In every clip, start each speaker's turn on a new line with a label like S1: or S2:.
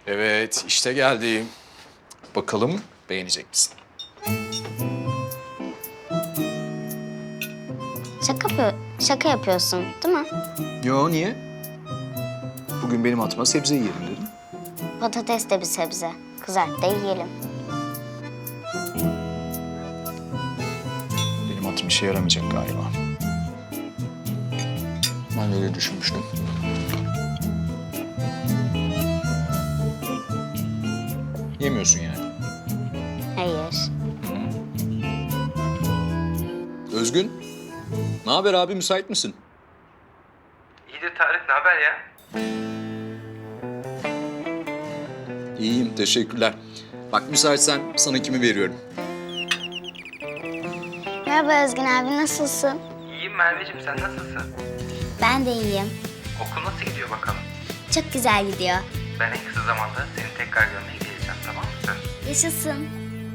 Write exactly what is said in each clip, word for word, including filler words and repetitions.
S1: Evet, işte geldim. Bakalım beğenecek misin?
S2: Şaka, yapıyor, şaka yapıyorsun değil mi?
S1: Yo, niye? Bugün benim atıma sebze yiyelim dedim.
S2: Patates de bir sebze. Kızart da yiyelim.
S1: Benim atım işe yaramayacak galiba. Ben de öyle düşünmüştüm. Yemiyorsun yani.
S2: Hayır.
S1: Özgün, ne haber abi? Müsait misin?
S3: İyidir Tarık, ne haber ya?
S1: İyiyim, teşekkürler. Bak müsaitsen sana kimi veriyorum?
S2: Merhaba Özgün abi, nasılsın?
S3: İyiyim Merveciğim, sen nasılsın?
S2: Ben de iyiyim.
S3: Okul nasıl gidiyor bakalım?
S2: Çok güzel gidiyor.
S3: Ben en kısa zamanda seni tekrar görmeye geleceğim, tamam mı söz?
S2: Yaşasın.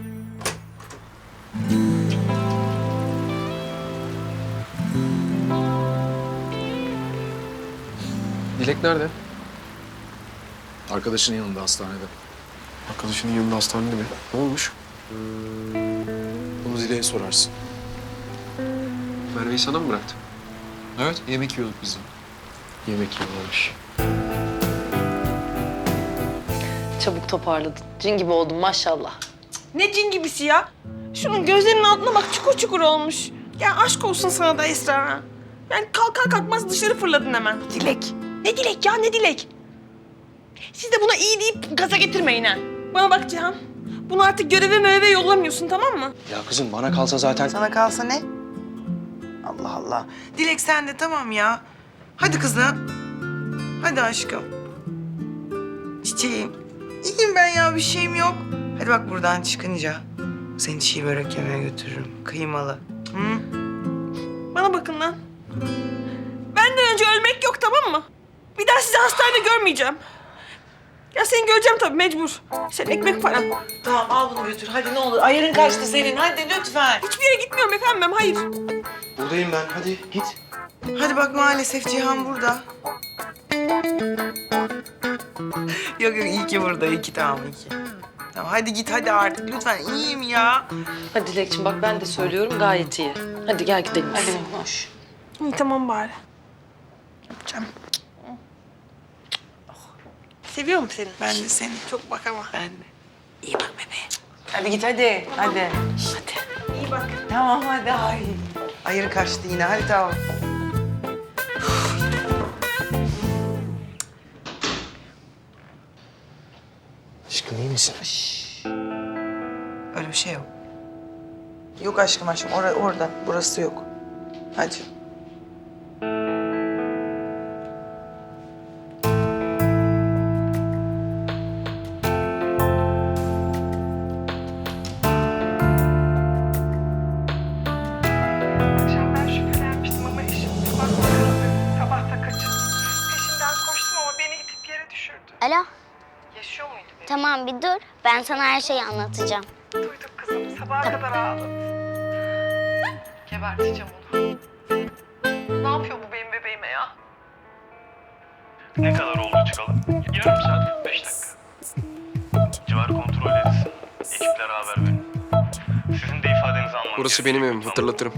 S4: Dilek nerede?
S1: Arkadaşının yanında hastanede.
S4: Arkadaşının yanında hastanede mi? Ne olmuş?
S1: Bunu Zile'ye sorarsın.
S4: Merve'yi sana mı bıraktı?
S1: Evet, yemek yiyorduk biz de.
S4: Yemek yiyorlarmış.
S5: Çabuk toparladın. Cin gibi oldun maşallah.
S6: Ne cin gibisi ya? Şunun gözlerinin altına bak, çukur çukur olmuş. Ya aşk olsun sana da Esra ha. Yani kalkar kalkmaz dışarı fırladın hemen. Dilek. Ne dilek ya, ne dilek? Siz de buna iyi deyip gaza getirmeyin ha. Bana bak Cihan. Bunu artık göreve meyve yollamıyorsun, tamam mı?
S4: Ya kızım bana kalsa zaten...
S7: Sana kalsa ne? Allah Allah. Dilek sen de tamam ya. Hadi kızım. Hadi aşkım. Çiçeğim. İyiyim ben ya, bir şeyim yok. Hadi bak buradan çıkınca seni çiğ börek yemeye götürürüm. Kıymalı. Hı?
S6: Bana bakın lan. Benden önce ölmek yok, tamam mı? Bir daha sizi hastanede görmeyeceğim. Ya seni göreceğim tabii, mecbur. Sen ekmek paran.
S7: Tamam al bunu götür. Hadi ne olur. Ayarın kaçtı senin. Hadi lütfen.
S6: Hiçbir yere gitmiyorum efendim ben, hayır.
S4: Buradayım ben. Hadi git.
S7: Hadi bak maalesef Cihan burada. Yok yok iyi ki burada. İyi ki tamam iyi ki. Tamam hadi git hadi artık lütfen. İyiyim ya.
S5: Hadi Dilekçim bak ben de söylüyorum gayet iyi. Hadi gel gidelim. Hadi hoş.
S6: İyi tamam bari. Yapacağım. Seviyorum seni.
S7: Ben de seni.
S6: Çok bak ama.
S7: Ben de. İyi bak bebeğe. Hadi git hadi. Hadi.
S6: Hadi. İyi bak.
S7: Tamam hadi. Ay. Ayırı kaçtı yine. Hadi tamam.
S4: Aşkım iyi misin?
S7: Öyle bir şey yok. Yok aşkım aşkım. Or orada. Burası yok. Hadi.
S8: Akşam ben şüphelenmiştim ama eşim sabah kırıldı. Sabah da kaçırdı. Peşinden koştum ama beni itip yere düşürdü.
S2: Alo,
S8: Yaşıyor muydu beni?
S2: tamam bir dur. Ben sana her şeyi anlatacağım.
S8: Duydum kızım. Sabaha kadar ağladı. Geberteceğim onu. Ne yapıyor bu benim bebeğime ya?
S9: Ne kadar oldu çıkalım? Yarım saat kırk beş dakika. Civar kontrol edilsin. Ekiplere haber verin. Sizin de ifadenizi almanız
S4: Burası
S9: gerekiyor.
S4: benim evim, hatırlatırım.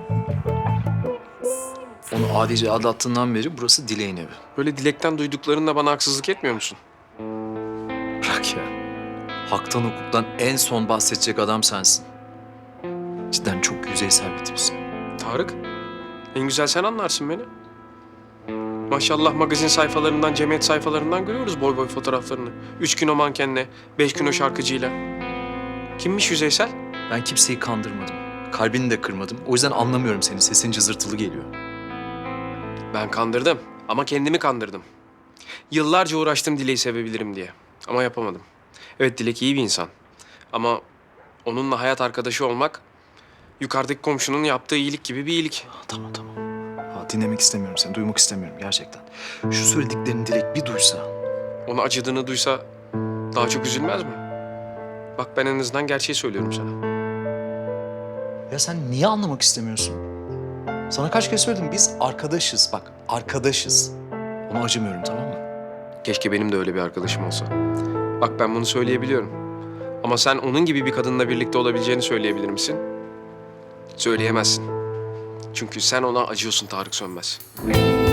S1: Onu adice aldattığından beri burası Dilek'in evi.
S4: Böyle Dilek'ten duyduklarınla bana haksızlık etmiyor musun?
S1: Bırak ya. Haktan hukuktan en son bahsedecek adam sensin. Cidden çok yüzeysel bir tipsin.
S4: Tarık, en güzel sen anlarsın beni. Maşallah magazin sayfalarından, cemiyet sayfalarından görüyoruz boy boy fotoğraflarını. Üç gün o mankenle, beş gün o şarkıcıyla. Kimmiş yüzeysel?
S1: Ben kimseyi kandırmadım. Kalbini de kırmadım. O yüzden anlamıyorum seni. Sesin cızırtılı geliyor.
S4: Ben kandırdım ama kendimi kandırdım. Yıllarca uğraştım Dilek'i sevebilirim diye ama yapamadım. Evet Dilek iyi bir insan ama onunla hayat arkadaşı olmak yukarıdaki komşunun yaptığı iyilik gibi bir iyilik.
S1: Tamam tamam. Ha, dinlemek istemiyorum seni. Duymak istemiyorum gerçekten. Şu söylediklerini Dilek bir duysa.
S4: Ona acıdığını duysa daha çok üzülmez mi? Bak ben en azından gerçeği söylüyorum sana.
S1: Ya sen niye anlamak istemiyorsun? Sana kaç kez söyledim. Biz arkadaşız bak. Arkadaşız. Ona acımıyorum tamam mı?
S4: Keşke benim de öyle bir arkadaşım olsa. Bak ben bunu söyleyebiliyorum. Ama sen onun gibi bir kadınla birlikte olabileceğini söyleyebilir misin? Söyleyemezsin. Çünkü sen ona acıyorsun Tarık Sönmez.